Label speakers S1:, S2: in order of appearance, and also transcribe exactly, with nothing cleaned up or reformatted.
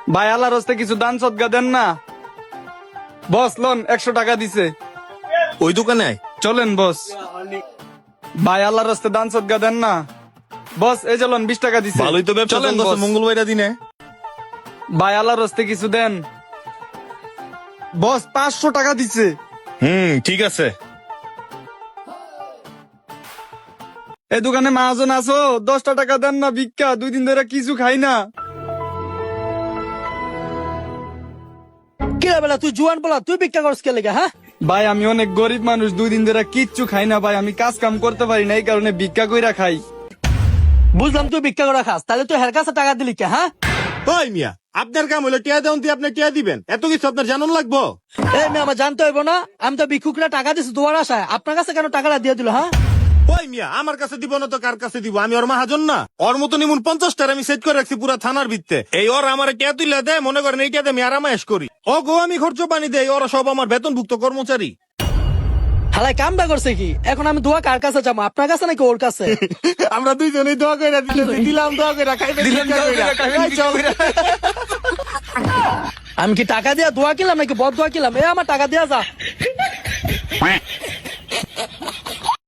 S1: ভাই আল্লাহর হস্তে কিছু দান সদকা দেন না। বস লোন একশো টাকা দিছে।
S2: ওই দোকানে আয়।
S1: চলেন বস। ভাই আল্লাহর হস্তে দান সদকা দেন না। বস এই চলুন বিশ টাকা দিছে।
S2: ভালোই তো ব্যবসা
S1: চলেন
S2: চলতেছে
S1: বস।
S2: মঙ্গলবাইরা দিনে।
S1: ভাই আল্লাহর হস্তে কিছু দেন। বস পাঁচশো টাকা দিছে।
S2: হুম ঠিক আছে।
S1: এই দোকানে মহাজন আছো, দশটা টাকা দেন না ভিক্ষা, দুই দিন ধরে কিছু খাই না।
S3: কিরা বেলা তুই জুয়ান বলা তুই ভিক্ষা করছ কে লেগে? হ্যাঁ
S1: ভাই আমি অনেক গরিব মানুষ, দুই দিন ধরে কিচ্ছু খাই না ভাই, আমি কাজ কাম করতে পারি না, এই কারণে ভিক্ষা কইরা খাই।
S3: বুঝলাম তুই ভিক্ষা করে খাস, তাহলে তুই হের কাছে টাকা দিলি কে? হ্যাঁ
S2: ওই মিয়া আপনার কাম হলো টিয়া দেন, আপনি টিয়া দিবেন, এত কিছু আপনার জানুন লাগবো?
S3: এই মেয়ে আমার জানতে হইব না? আমি তো ভিক্ষুকরা টাকা দিছি তোমার আশায়, আপনার কাছে কেন টাকাটা দিয়ে দিল? হ্যাঁ
S2: ওই মিয়া আমার কাছে দিব না তো কার কাছে দিব? আমি ওর মাহাজন না? ওর মতো নিমুন পঞ্চাশটার আমি সেট করে রাখছি পুরা থানার ভিত্তে। এই ওর আমার টিয়া তুইলা দেয়, মনে করেন এই টিয়াতে আমি আরামায়েশ করি। ও গো আমি খরচ পানি দেই, ওরা সব আমার বেতনভুক্ত কর্মচারী।
S3: হালাই কামটা করছে কি? এখন আমি দোয়া কার কাছে যাবো, আপনার কাছে নাকি ওর কাছে?
S2: আমরা দুইজনেই দোয়া কইরা দিতেছি, দিলাম দোয়া কইরা, খাইবেন ভিক্ষা কইরা। এই চল।
S3: আমি কি টাকা দিয়া দোয়া কিলাম নাকি বদ দোয়া কিলাম? এ আমার টাকা দিয়া যা।